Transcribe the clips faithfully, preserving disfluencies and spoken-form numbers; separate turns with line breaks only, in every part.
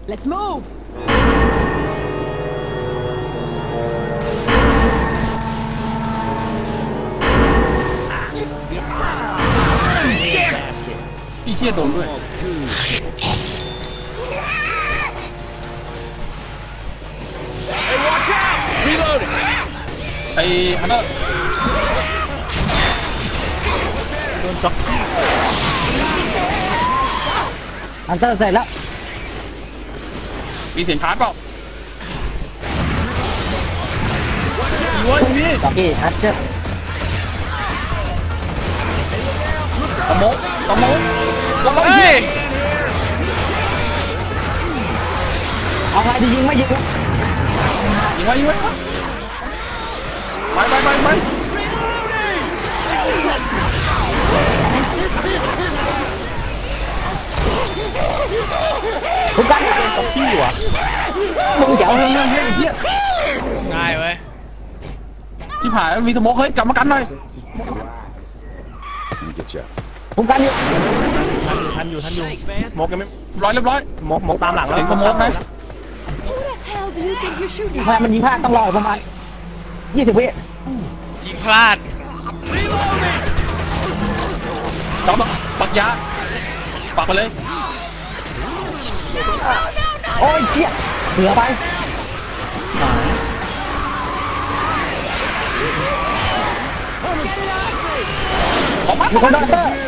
Let's move.
พี่เชี่ยโดนด้วยไอ้ฮันเตอร์โดนจ็อก
ฮันเตอร์เสร็จแล้ว
มีเสียงชาร์จเปล่าอีวอนนี่
จ็อกกี้ฮันเตอร์
สมองสมองสมองยิง
เอาไงดียิงไม่ยิง
ยิงไว้ยิงไว้ไปไปไปไป
ทุกการ
กับพี่วะ
มึงเจ๋วเฮ้ยเฮ้ยเฮ้ย
ง่ายเว้ย
ที่ผ่านมีสมองเฮ้ยกลับมากันหน่อย
ทุกการอยู่
ทันอยู่ทันอยู่มกยังไม่
ร้อยเรียบร้อย
มกมกตามหลังแล้ว
เห็นสมองไหม
ไม่มันยิงพลาดต้องรอประมาณยี่สิบวิ
ยิงพลาด
จับปักยาปักไปเลย
โอ้ยเจี๊ยเสือไปมีคนโดนเตอร์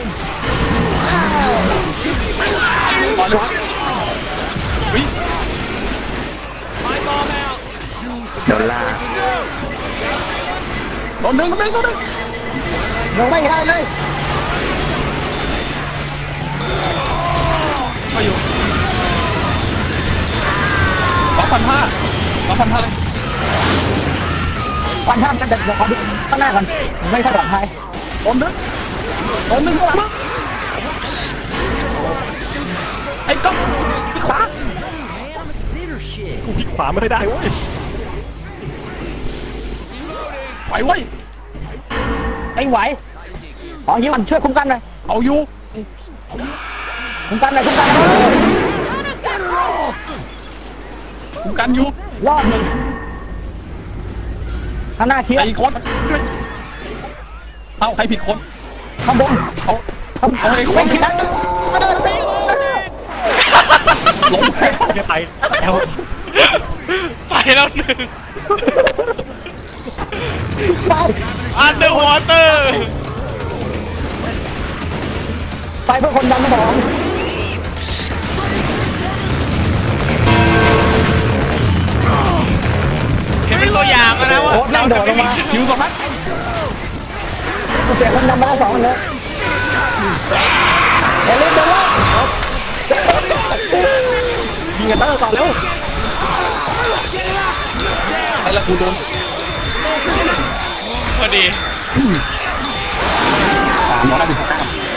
ก่อนเลยวิ่ง
โดนล่า
โดนดึงโดนดึงโดนดึง
ลงไม่ได้เลย
มาอยู่สองพันห้าสองพันห้าเลย
วันท่ามกันเด็กขอดูข้างหน้าก่อนไม่ค่อยปลอดภัย
โดนดึงโดนดึงข้างหลังไอ้ก๊อฟที่ขวากูที่ขวาไม่ได้เว้ยไหวเว้ย
ไอ้ไหวขอฮิวมันช่วยคุ้มกันหน่อย
เอาอยู่
คุ้มกันหน่อยคุ้มกัน
คุ้มกันอยู่
รอบหนึ่งข้างหน้าเคลียร์
ไอ้คนเอาใครผิดคน
ข้างบน
เอาเอาไอ้คนผิดลงไปจะไปแล้ว
ไปแล้วหนึ่ง
ไป
Underwater
ไปเพื่อคนดันสมอง
เห็นเป็นตัวอย่างนะว่า
เราจะไม่มี
คิวก่อนนะ
กูเสียคนดันมาแล้วสองเลยเดี๋ยวเล่นเดี๋ยวเล่น
ยิงกันเตอร์ก่อนเร็วไอ้ละกูโดน
พอดี
สามร้อยห้าสิบเก้า